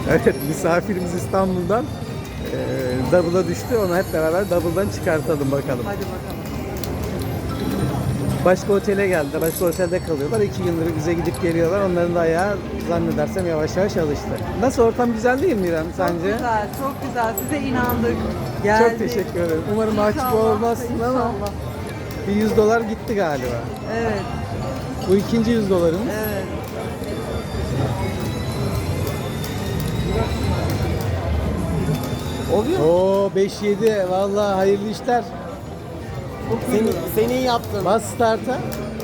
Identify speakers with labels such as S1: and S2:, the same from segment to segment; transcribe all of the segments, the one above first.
S1: Evet, misafirimiz İstanbul'dan double'a düştü. Onu hep beraber double'dan çıkartalım bakalım.
S2: Hadi bakalım.
S1: Başka otele geldiler. Başka otelde kalıyorlar. 2 gündür bize gidip geliyorlar. Onların da ayağı zannedersem yavaş yavaş alıştı. Nasıl, ortam güzel değil mi İrem sence?
S2: Çok güzel, çok güzel. Size inandık. Geldik.
S1: Çok teşekkür ederim. Umarım mahcup
S2: İnşallah,
S1: olmazsın ama
S2: inşallah.
S1: bir 100 dolar gitti galiba.
S2: Evet,
S1: Bu ikinci 100 dolarımız.
S2: evet.
S3: Oluyor mu?
S1: Oo 5-7. Vallahi hayırlı işler.
S3: Seni iyi yaptın.
S1: Bas start'a.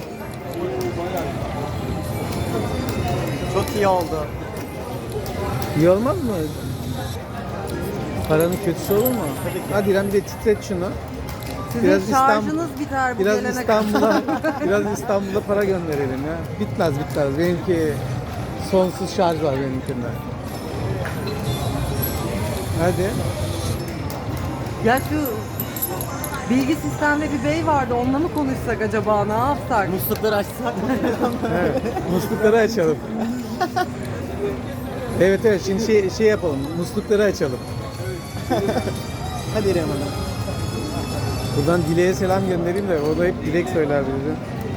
S3: Çok iyi oldu.
S1: İyi olmaz mı? Paranın kötüsü olur mu?
S3: Tabii ki.
S1: Hadi İrem bir de titret şunu.
S2: Sizin
S1: Biraz
S2: şarjınız biter bu
S1: Biraz
S2: gelene
S1: İstanbul'a
S2: kadar.
S1: biraz İstanbul'a para gönderelim ya. Bitmez. Benimki sonsuz şarj var benimkinde. Hadi.
S2: Ya şu bilgi sistemde bir bey vardı. Onunla mı konuşsak acaba? Ne yapsak?
S3: Muslukları açsak.
S1: Evet. Muslukları açalım. Evet şimdi şey yapalım. Muslukları açalım.
S3: Hadi İrem Hanım.
S1: Buradan Dilek'e selam göndereyim de o da hep Dilek söyler bize.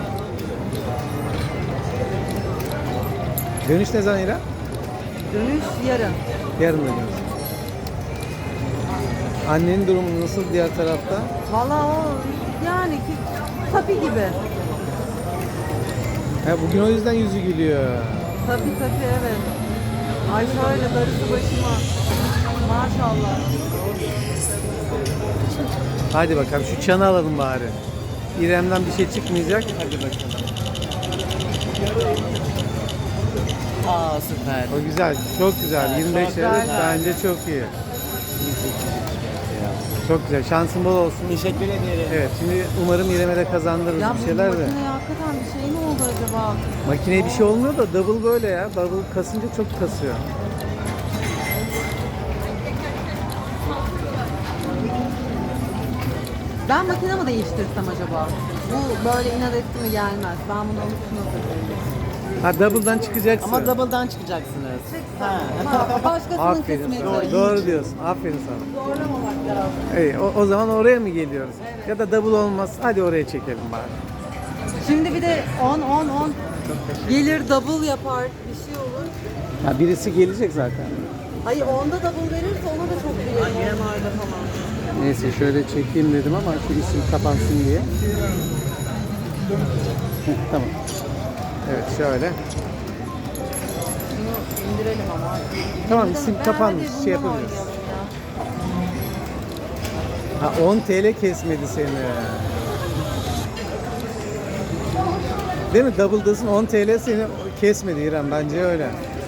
S1: Dönüş ne zaman İrem?
S2: Dönüş yarın.
S1: Yarın dönüyoruz. Annenin durumu nasıl diğer tarafta?
S2: Valla o yani ki tabii gibi.
S1: Bugün o yüzden yüzü gülüyor.
S2: Tabii evet. Ay şöyle darısı başıma. Maşallah.
S1: Hadi bakalım şu çanı alalım bari. İrem'den bir şey çıkmayacak.
S3: Hadi bakalım. Aa süper.
S1: O güzel, çok güzel.
S3: Evet,
S1: 25
S3: çok
S1: lira
S3: güzel.
S1: bence çok iyi. Çok güzel. Şansın bol olsun.
S3: Teşekkür ederim.
S1: Evet, şimdi umarım İrem'e de kazandırırız
S2: Ya
S1: bir
S2: bu
S1: şeyler de.
S2: makineye hakikaten bir şey mi oldu acaba?
S1: Makineye bir şey olmuyor da double böyle ya. Double kasınca çok kasıyor.
S2: Ben makine mi değiştirsem acaba? Bu böyle inat etti mi gelmez. Ben bunu unuttum.
S1: Ha double'dan çıkacaksın.
S3: Ama double'dan çıkacaksınız. Ha.
S2: Başkasının
S1: Aferin
S2: kısmeti.
S1: sana. Doğru diyorsun. Aferin sana.
S2: Zorlamamak lazım.
S1: İyi, o zaman oraya mı geliyoruz? Ya da double olmaz. Hadi oraya çekelim bari.
S2: Şimdi bir de 10 gelir double yapar bir şey olur.
S1: Ha, birisi gelecek zaten.
S2: Hayır onda double verirse ona da çok gelir normalde falan.
S1: Neyse şöyle çekeyim dedim ama şu isim kapansın diye. Tamam. Evet şöyle.
S2: Bunu indirelim ama.
S1: Tamam isim kapanmış.
S2: Hadi
S1: Şey
S2: bundan
S1: yapabiliriz.
S2: oynayalım ya.
S1: Ha 10 TL kesmedi seni. Değil mi? Double'dasın 10 TL seni kesmedi İrem. Bence öyle.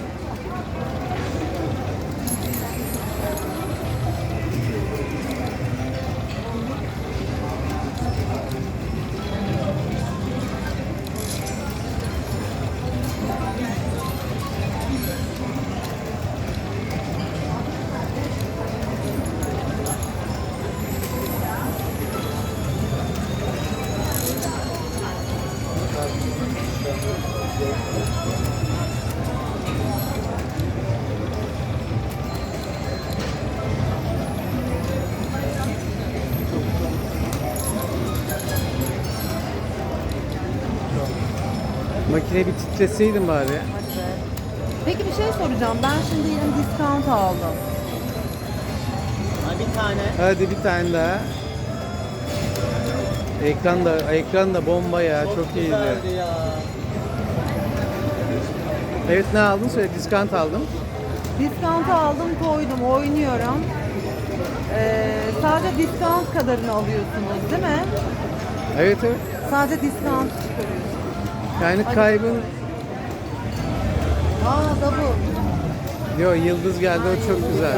S1: Makine bir titreseydin bari.
S2: Hadi be. Peki bir şey soracağım. Ben şimdi yine discount aldım.
S3: Ha, bir tane.
S1: Hadi bir tane daha. Ekran da bomba ya. Çok iyiydi.
S3: güzeldi ya.
S1: Evet ne aldın? Söyle discount aldım.
S2: Discount aldım koydum oynuyorum. Sadece discount kadarını alıyorsunuz değil mi?
S1: Evet.
S2: Sadece discount çıkarıyorsunuz.
S1: Yani kaybın
S2: Double.
S1: yıldız geldi o çok güzel.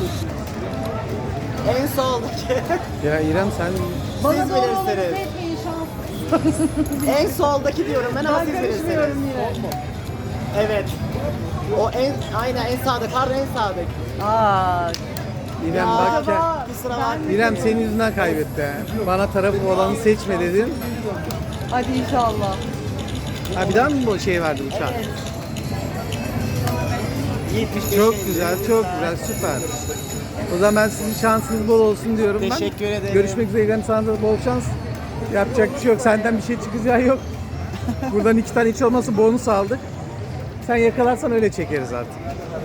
S3: En soldaki.
S1: Ya İrem sen
S2: Bana
S3: Siz
S2: doğru
S3: bilirsiniz.
S2: olanı seçmeyin şans.
S3: En soldaki diyorum ben ama
S2: Ben
S3: siz
S2: karışmıyorum
S3: bilirsiniz.
S2: yine.
S3: Evet. O aynen en sağdaki. Pardon en sağdaki.
S2: Aa,
S1: İrem bak ya.
S3: Kusura bakma.
S1: İrem senin yüzünden kaybetti. Ha. Bana tarafı olanı seçme dedin.
S2: hadi inşallah.
S1: Ha bir daha mı bu şey verdi uçak?
S2: Evet.
S3: 75
S1: Çok
S3: 50.
S1: güzel, çok güzel, süper. O zaman ben sizin şansınız bol olsun diyorum ben.
S3: Teşekkür ederim.
S1: Görüşmek üzere. İlhan, sana da bol şans. Yapacak bir şey yok. Senden bir şey çıkacağı yok. Buradan 2 tane hiç olmazsa bonus aldık. Sen yakalarsan öyle çekeriz artık.